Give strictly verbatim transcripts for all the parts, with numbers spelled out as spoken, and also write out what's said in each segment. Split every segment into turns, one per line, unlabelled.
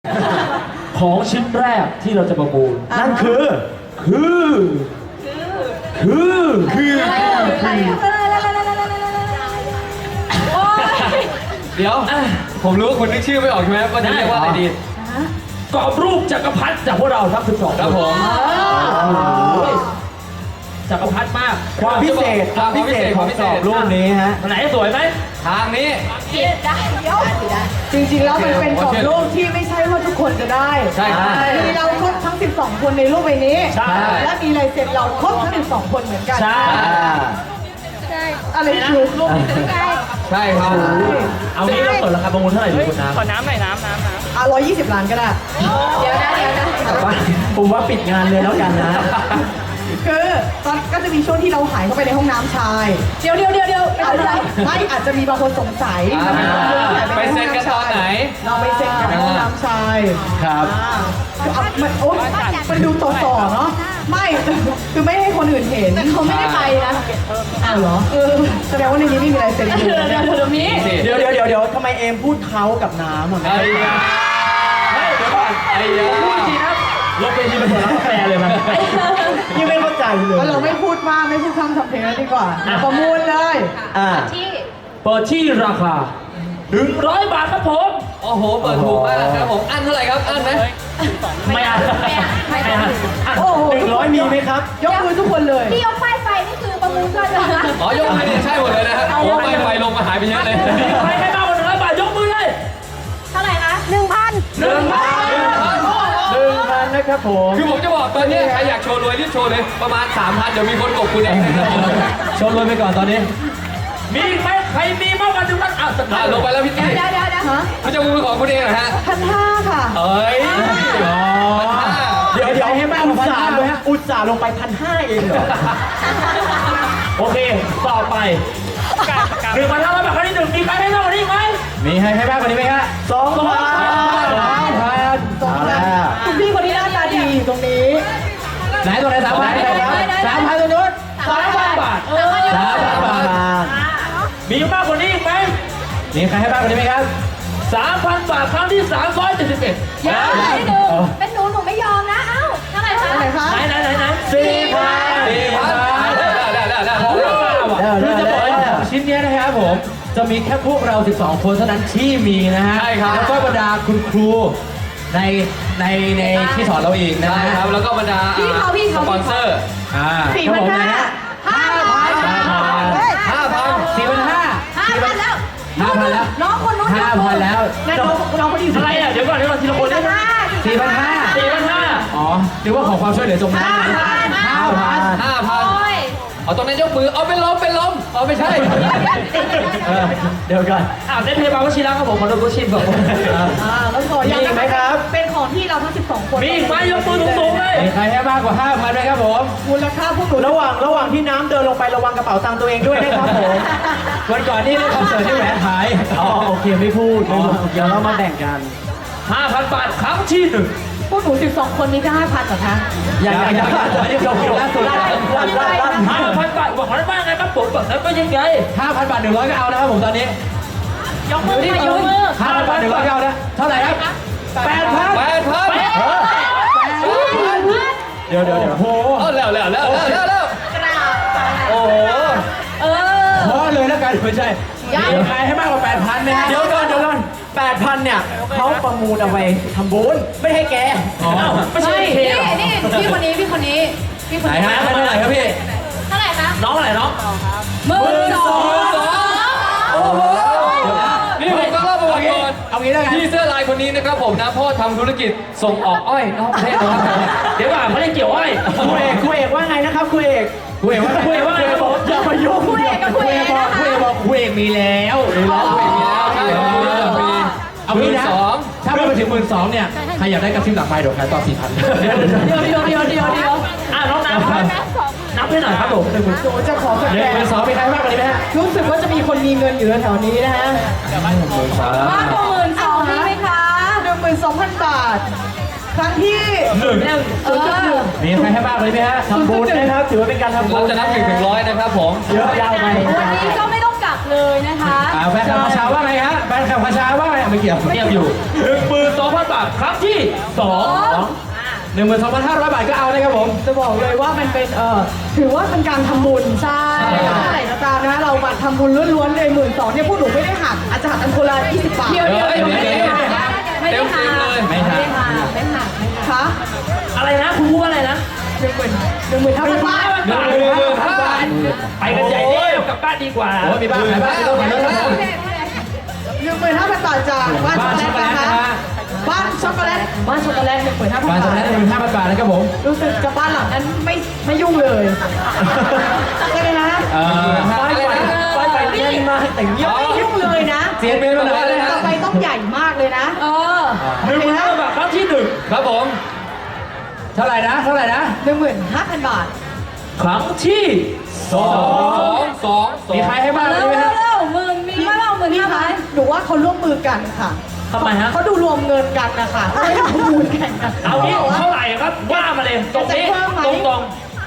ของชิ้นแรกที่เราจะประมูลนั่นคือคือคือคือ
เดี๋ยวผมรู้ว่าคุณนึกชื่อไม่ออกใช่ไหมว่าจะเรียกว่าอะไรดี
กรอบรูปจักรพรรดิจากพวกเราทั้งสิบสอง
ครับผม
จักรพรรดิมาก
ความพิเศษความพิเศษของกรอบรูปนี้ฮะ
ไหนสวยไหม
ทางนี้
จริงๆแล้วมันเป็นกรอบรูปที่ไม่ใช่ว่าทุกคนจะได้
ใช่
มีเราครบทั้งสิบสองคนในรูปใบนี้
ใช่
และมีลายเซ็นเราครบทั้งสิบสองคนเหมือนกัน
ใช่
อะไรคือรูปนี้
ใช่ครับ
เอางี้เราเปิดราคาประมูลเท่าไหร่ดีคุณน้ำ
ขอน้ำหน่อยน้ำน้ำน้ำ
อ่ะร้อยยี่สิบล้านก็ได้เดี๋ยวนะเดี๋ยวนะ
ผมว่าปิดงานเลยแล้วกันนะ
คือตอนก็จะมีช่วงที่เราหายเข้าไปในห้องน้ำชายเดี๋ยวเดี๋ยวเดี๋ยวเดี๋ยวไม่อาจจะมีบางคนสงสัย
ไปเซ็นกันตอนไหน
เราไปเซ็นกันในห้องน้ำชาย
ครับ
คือมันโอ๊ยมันดูต่อต่อเนาะไม่คือไม่ให้คนอื่นเห็นแต่เขาไม่ได้ไปนะอ้าวเหรอเออแสดงว่าในนี้ไม่มีอะไรเซ็นอยู่เดี๋ยวเดี๋ยวนี้
เดี๋ยวเดี๋ยวเดี๋ยวเดี๋ยวทำไมเอมพูดเขากับน้ำอ่ะ
ไอ้ยาเฮ้ยเดี๋ยวก่อนไอ้ยา
พูดจริงนะลบไปทีเป็นตัวร้านกาแฟเลยมัน
ยังไม่เข้าใจเลย
เราไม่พูดมากไม่พูดคำทำเพลงแล้วดีกว่าประมูลเลย
อ่า
เปิดที่ราคาหนึ่งร้อยบาทครับผม
โอ้โหเปิดถูกมากครับผมอันเท่าไหร่ครับอันไหม
ไม่อันไม่อัน
โอ้โห
หนึ่งร้อยมีไหมครับ
ยกมือทุกคนเลย
ที่ยกป้ายไฟนี่คือประมูลด้วยนะคะ
อ๋อยกมือนี่ใช่หมดเลยนะครับโอ้ไปไฟลงมาหายไปเยอะเลย
ใครให้มากกว่าหนึ่งร้อยบาทยกมือเลย
เท่าไหร่คะหนึ่งพัน
หนึ่งพัน
หนึ่งพันนะครับผม
คือผมจะบอกตอนนี้ใครอยากโชว์รวยรีบโชว์เลยประมาณสามพันเดี๋ยวมีคนกบคุณเอง
โชว์รวยไปก่อนตอนนี้
มีไหมใครมีมากกว่าหนึ่งพันอ่ะสักพัน
ลงไปแล้วพี่ตี้
เดี๋ยวเดี๋ยวเดี๋ยว
เขาจะมือของคุณเองเหรอฮะ
พันห้าค่ะ
เอ้ย
เดี๋ยวเดี๋ยวให้แม่อุตส่าห์ลงอุตส่าห์ลงไปพันห้าเองเหรอ
โอเคต่อไปหนึ่งพันห้าร้อยบาทครั้งที่หนึ่งมีใครให้มากกว่านี้ไหม
มีให้ให้มากกว่านี้ไหมฮะสองพันสามพัน
สองพันคุณพี่คนนี้หน้าตาดีตรงนี้
ไหนตัวไหนสามพันสามพันตัวนู้น
สามพันบาท
สามพันบาท
มีมากกว่านี้ไหม
มีใครให้มากกว่านี้ไหมครับ
สามพันบาทครั้งที่สามร้อยเจ็ดสิบเอ็ด
ยังไม่ดูเป็นหนูหนูไม่ยอมนะเอ้าเท่าไหร่คะ
ไหนคะ
ไหนไหนไหนไหน
สี่พัน
สี่พัน
คือจะบอกว่าชิ้นนี้นะครับผมจะมีแค่พวกเราสิบสองคนเท่านั้นที่มีนะฮะ
ใช่ครับ
แล้วก็บรรดาคุณครูในในในที่สอนเราอีกนะ
ครับ แล้วก็บรรดาสปอนเซอร์
อ่า
สี่พันห้าห้าพัน
ห้าพัน
สี่พันห้า
ห้าพันแล้ว
ห้าพันแล้ว
น้องคนนู้น
ห้าพันแล้ว
น้องน้องคนนี้
อะไรอ่ะเดี๋ยวก่อนเดี๋ยวก่อนทีละคนได้ไหม
สี่พันห้า
สี่พันห้า
อ๋อหรือว่าขอความช่วยเหลือจงน้ำห้าพัน
ห้าพันเอาตรงนั้นยกมือเอาเป็นลมเป็นลมเอาไม่ใช่
เดี๋ยวก่อน
อ่าได้เพย์บาร์วชิระครับผมขอโทษชิมครับผม
อ่าแล้วขอยังไหมครับเป็นของที่เราทั้งสิบสองคน
มีไหมยกมือสูงๆเลย
มีใครให้มากกว่าห้าพันไหมครับผม
มูลค่าพวกหนู
ระหว่างระหว่างที่น้ำเดินลงไประวังกระเป๋าตังค์ตัวเองด้วยนะครับผมวันก่อนนี่เล่นคอนเสิร์ตที่แหวนหายอ๋อโอเคไม่พูดไม่พูดเดี๋ยวเรามาแบ่งกัน
ห้าพันบาทครั้งที่หนึ่ง
พวกหนูสิบสองคนนี้ได้ห้าพันเหรอคะ
อย่างอย่างอย่างอันนี้เราคิดล่าสุด
ห้าพันบาทบอกเขาได้บ้างไงครับผมแบบนั้นก็ยังไง
ห้าพันบาทหนึ่งร้อยก็เอานะครับผมตอนนี้
ยกมือที่ยกมือ
ห้าพันบาทหนึ่งร้อยก็เอานะเท่าไหร่ครับแปดพัน
แปดพัน
เดี๋ยวเดี๋ยวเดี๋ยวโอ้โห
แล้วแล้วแล้วแล้วแล้วโอ้โห
เออ
พอเลยแล้วกันไม่ใช่มีใครให้มากกว่าแปดพันไหมฮะเดี๋ยวก่อนเดี๋ยวก่อนแปดพันเนี่ยเขาประมูลเอาไปทำบุญไม่ให้แก
อ๋อไม่ใช่
นี่นี่พี่คนนี้พี่คนนี้พี่คนนี้
ไหนฮะเท่าไหร่ครับพี่
เท่าไหร่คะ
น้องอะไรน้อง
หมื่นสอง
โอ้โหนี่ผมต้องเล่าประวัติก่อน
เอางี้แล้วกัน
พี่เสื้อลายคนนี้นะครับผมนะพ่อทำธุรกิจส่งออกอ้อยนอกประเทศนะครับ
เดี๋ยวก่อนเขาเรียกเกี่ยวอ้อย
ครูเอกครูเอกว่าไงนะครับครูเอกครูเอกว่าครูเอกว่าบอกอย่ามายุ่งครูเอกกับครูเอกบอกครูเอกบอกครูเอกมีแล้ว
มีแล้วครูเอกมีแล้วใช่มี
เอางี้นะถ้าไปถึงหมื่นสองเนี่ยใครอยากได้กระซิบหลังไมค์เดี๋ยวใครต่อสี่พัน
เดี๋ยวเดี๋ยวเดี๋ยวเดี๋ยวเดี๋ยวเดี๋ยว
อ่ะน้องน้ำนับให้หน่อยครับผมหนึ่งหมื่นสอง
จะขอสักแ
หนึ่งหมื่นสองมีใครมากกว่านี้ไหมฮะ
รู้สึกว่าจะมีคนมีเงินอยู่แถวนี้นะฮะ
มากกว่าหมื่นสองมีไหมคะ
หนึ่งหมื่นสองพันบาทครั้งที่
หนึ่ง
ศูนย์จุดหนึ่ง
มีใครให้มากกว่านี้ไหมฮะทำบุญนะครับถือว่าเป็นการทำบุญ
เราจะนับถึงถึงร้อยนะครับผม
เยอะยาวไป
วันนี้ก็ไม่ต้องกลับเลยนะคะ
แฟนคลับพาชาว่าไงฮะแฟนคลับพาชาว่าไงไม่เกี่ยว
เทียบอยู่หนึ่งหมื่นสองพันบาทาทครั้งที่สอง
หนึ่งหมื่นสองพันห้าร้อยบาทก็เอานะครับผม
จะบอกเลยว่ามันเป็นเอ่อถือว่าเป็นการทำบุญใช่นะจ๊ะนะเราบัตรทำบุญล้วนๆเลยหมื่นสองเนี่ยพวกหนูไม่ได้หักอาจจะหักกันคนละยี่สิบบาท
เดี๋ยวเดี๋ยวเดี๋ยวไม่ได้หักไม่ได้หัก
ไม่หัก
ไม่หักไม่หัก
คะ
อะไรนะคุณพูดว่าอะไรนะ
หนึ่งหมื่นหนึ่งหมื่นห้าพันบาท
หนึ่งหมื่นห้าพันบาทไปกันใหญ่แล้วกลับบ้านดีกว่า
โอ้มีบ้านขายบ้านมีรถขายรถครับผม
หนึ่งหมื่นห้าพันบาทจากบ้านช็อกโกแลตนะคะบ้านช็อกโกแลตบ้านช็อกโกแลตหนึ่งหมื่นห้าพัน
บ้าน
บา
ส
ท
แลนด์หนึ่งหมื่นห้าพันบาทนะครับผม
รู้สึกกับบ้านหลังนั้นไม่ไม่ยุ่งเลยใช่ไหมนะ
เอ่อ
ไปไปไปไปเล่นมาแต่งเงียบ
ไม่ยุ่งเลยนะ
เสียงเป็นมาไหนเลยฮะ
ต่อไปต้องใหญ่มากเลยนะ
เออ
หนึ่งหมื่นห้าพันบาทครั้งที่หนึ่ง
ครับผม
เท่าไหร่นะ เท่าไหร่นะ
หนึ่งหมื่นห้าพันบาท
ครั้งที่สอ
สอง งสองสอง
มีใครให้บ้าง
เร็ว
ไหม
เร็
ฮะ
วเร็วหมื่นมีมาเล่าหมื่น
พี่
ห้า
คะ
พัน
หนูว่าเขาร่วมมือกันค่ะ
ทำไมฮะ
เขาดูรวมเงินกันนะคะเขาไม่ได้ทำบุญกันนะ
เอางี้เท่าไหร่ครับว่ามาเลยตรงนี้
จะเพิ่มไหม
ตรงตรง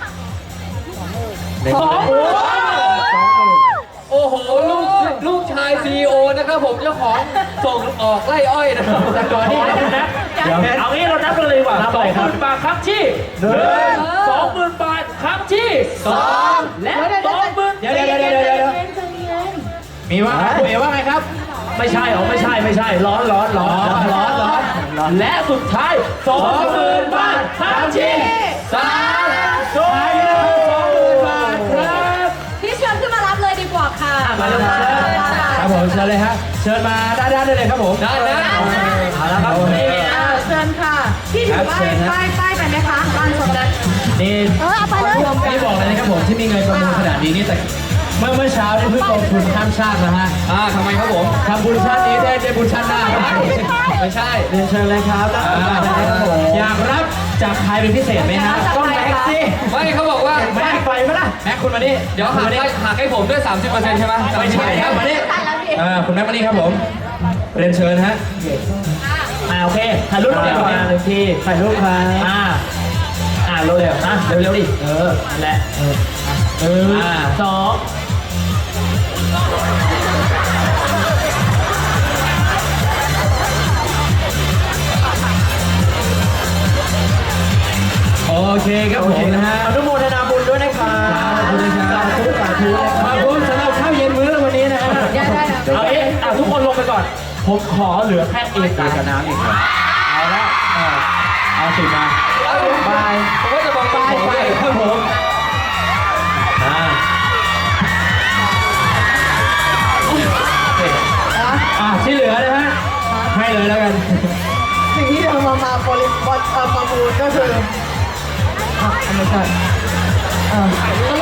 หนึ่ง
สอง
หมื่น
โอ้โหลูกลูกชายซีอีโอนะครับผมเจ้าของส่งออกไล่อ้อยนะครับ
แต่ก่อน
นี่
นี่
เรานับเอางี้เรานับกันเลยดีกว่าสองหมื่นบาทครั้งที่หนึ่งสองหมื่นบาทครั้งที่สองและสองหมื่น
เดี๋ยวเดี๋ยวเดี๋ยวเดี๋ยวเดี๋ยวมีว่าคุณเอ๋ว่าไงครับ
ไม่ใช่หรอไม่ใช่ไม่ใช่ร้อนร้อนร้อน
ร้อนร้อนร้อน
และสุดท้ายสองหมื่นบาทครั้งที่สามสุดท้ายนะครับสองหมื่นบาทครับ
พี่เชิญขึ้นมารับเลยดีกว่าค่ะ
มาเลยครับ
ครับผมเชิญเลยฮะเชิญมาด้านๆได้เลยครับผม
ได้นะ
เอาละครับนี่
อ่าเชิญค่ะพี่ถือป้ายป้ายป้ายไปไหมคะบ้านช็อกโกแลต
นี่
เออเอาไปเลย
นี่บอกเลยนะครับผมที่มีเงินประมูลขนาดนี้นี่แต่เมื่อเมื่อเช้านี่เพิ่งลงทุนข้ามชาตินะฮะ
อ่าทำไมครับผม
ทำบุญชาตินี้ได้ได้บุญชาติหน้าครับ
ไม่ใช่
เรียนเชิญเลยครับอยากรับจากใครเป็นพิเศษไหมฮะต้องแม็กซ์สิ
ไม่เขาบอกว่า
แม็กซ์ไปไหมล่ะแม็กซ์คุณมานี่
เดี๋ยวหักให้หักให้ผมด้วย สามสิบเปอร์เซ็นต์ใช่ไหม
ไม่ใช่ครับมานี่
ใช่แล้วดิ
อ่าคุณแม็กซ์มานี่ครับผมเรียนเชิญฮะ
อ่าโอเคถ่ายรูปเดี๋ยวมาหนึ่งที
ถ่ายรูปครับ
อ่าอ่าเร็วๆนะเร็วๆดิเออและเออ
เออ
อ่าสอง
โอเคครับผมนะฮะ
อนุโมทนาบุญด้วยนะครับ
ขอบคุณนะครับสาธุสาธุขอบคุณสำหรับข้าวเย็นมื้อวันนี้นะฮะ
ได้ได้นะ
เอาเอ๊ะอ่ะทุกคนลงไปก่อน ผมขอเหลือแค่เอ
เอก
ตา
กับน้ำอีกครับเอาละเอาเอาสิมา
บายผมก็จะบอกบาย
ไปครับผมอ่าอ่าที่เหลือนะฮะให้เลยแล้วกัน
สิ่งที่เรามามาบริบทเอ่อประมูลก็คืออ่ะไม่ใช่เอ่อ